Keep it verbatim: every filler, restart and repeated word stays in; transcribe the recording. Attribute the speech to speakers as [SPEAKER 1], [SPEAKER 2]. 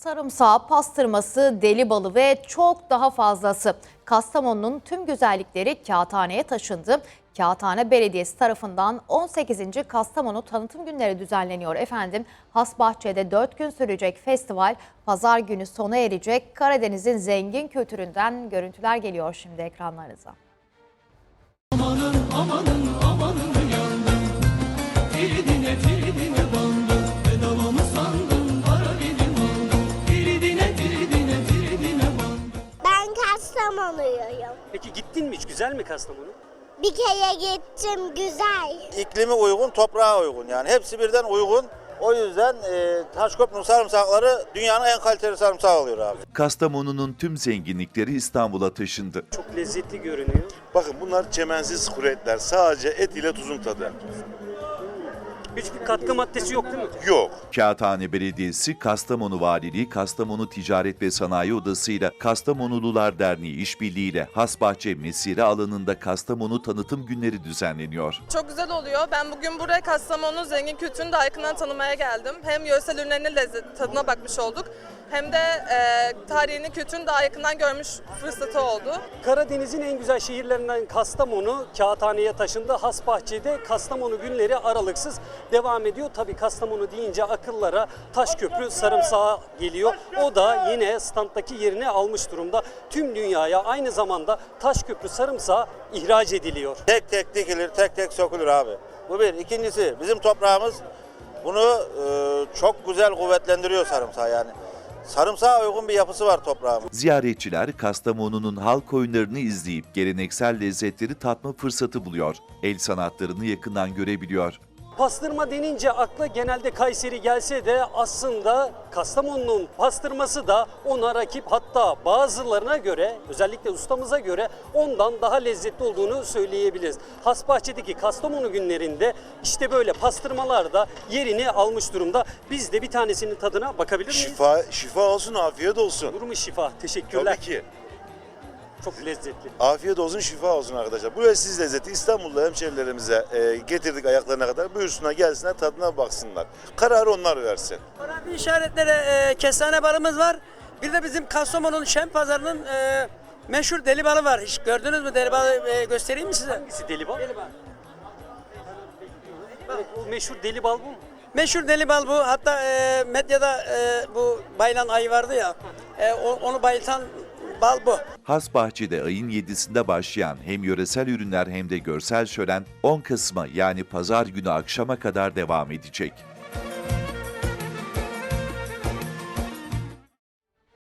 [SPEAKER 1] Sarımsağı, pastırması, deli balı ve çok daha fazlası. Kastamonu'nun tüm güzellikleri Kağıthane'ye taşındı. Kağıthane Belediyesi tarafından on sekizinci Kastamonu Tanıtım Günleri düzenleniyor efendim. Hasbahçe'de dört gün sürecek festival pazar günü sona erecek. Karadeniz'in zengin kültüründen görüntüler geliyor şimdi ekranlarınıza.
[SPEAKER 2] Amanın amanın amanın yandım, Firidine Firidine bandım, bedava mı sandın para benim aldım, Firidine Firidine Firidine bandım.
[SPEAKER 3] Ben Kastamonuluyum.
[SPEAKER 4] Peki gittin mi hiç? Güzel mi Kastamonu?
[SPEAKER 3] Bir kere gittim, güzel.
[SPEAKER 5] İklimi uygun, toprağa uygun, yani hepsi birden uygun. O yüzden e, Taşköprü'nün sarımsakları dünyanın en kaliteli sarımsağı oluyor abi.
[SPEAKER 6] Kastamonu'nun tüm zenginlikleri İstanbul'a taşındı.
[SPEAKER 4] Çok lezzetli görünüyor.
[SPEAKER 7] Bakın bunlar çemensiz kuru etler. Sadece et ile tuzun tadı.
[SPEAKER 4] Hiçbir katkı maddesi yok değil mi?
[SPEAKER 7] Yok.
[SPEAKER 6] Kağıthane Belediyesi, Kastamonu Valiliği, Kastamonu Ticaret ve Sanayi Odası ile Kastamonulular Derneği işbirliğiyle Hasbahçe Mesire alanında Kastamonu Tanıtım Günleri düzenleniyor.
[SPEAKER 8] Çok güzel oluyor. Ben bugün buraya Kastamonu'nun zengin kültürünü daha yakından tanımaya geldim. Hem yöresel ürünlerinin lezzet, tadına bakmış olduk. Hem de e, tarihini, kültürünü daha yakından görmüş fırsatı oldu.
[SPEAKER 4] Karadeniz'in en güzel şehirlerinden Kastamonu, Kağıthane'ye taşındı. Hasbahçe'de Kastamonu günleri aralıksız devam ediyor. Tabii Kastamonu deyince akıllara Taşköprü sarımsağı geliyor. O da yine standdaki yerini almış durumda. Tüm dünyaya aynı zamanda Taşköprü sarımsağı ihraç ediliyor.
[SPEAKER 5] Tek tek dikilir, tek tek sökülür abi. Bu bir. İkincisi, bizim toprağımız bunu e, çok güzel kuvvetlendiriyor sarımsağı yani. Sarımsağa uygun bir yapısı var toprağımız.
[SPEAKER 6] Ziyaretçiler Kastamonu'nun halk oyunlarını izleyip geleneksel lezzetleri tatma fırsatı buluyor. El sanatlarını yakından görebiliyor.
[SPEAKER 4] Pastırma denince akla genelde Kayseri gelse de aslında Kastamonu'nun pastırması da ona rakip, hatta bazılarına göre, özellikle ustamıza göre ondan daha lezzetli olduğunu söyleyebiliriz. Hasbahçe'deki Kastamonu günlerinde işte böyle pastırmalar da yerini almış durumda. Biz de bir tanesinin tadına bakabilir miyiz?
[SPEAKER 7] Şifa, şifa olsun, afiyet olsun.
[SPEAKER 4] Durumu şifa. Teşekkürler.
[SPEAKER 7] Tabii ki.
[SPEAKER 4] Çok lezzetli.
[SPEAKER 7] Afiyet olsun, şifa olsun arkadaşlar. Bu leziz lezzeti İstanbul'da hemşerilerimize e, getirdik ayaklarına kadar. Buyursunlar, gelsinler, tadına baksınlar. Kararı onlar versin.
[SPEAKER 9] Önemli işaretlere e, kestane balımız var. Bir de bizim Kastamonu'nun Şen Pazarı'nın e, meşhur deli balı var. Hiç gördünüz mü deli balı, e, göstereyim mi size?
[SPEAKER 4] Hangisi deli bal?
[SPEAKER 9] Deli bal.
[SPEAKER 4] Evet, o meşhur deli bal bu mu?
[SPEAKER 9] Meşhur deli bal bu. Hatta e, medyada e, bu bayılan ayı vardı ya. E, o, onu bayıltan bal bu.
[SPEAKER 6] Hasbahçe'de ayın yedisinde başlayan hem yöresel ürünler hem de görsel şölen on Kasım'a yani pazar günü akşama kadar devam edecek.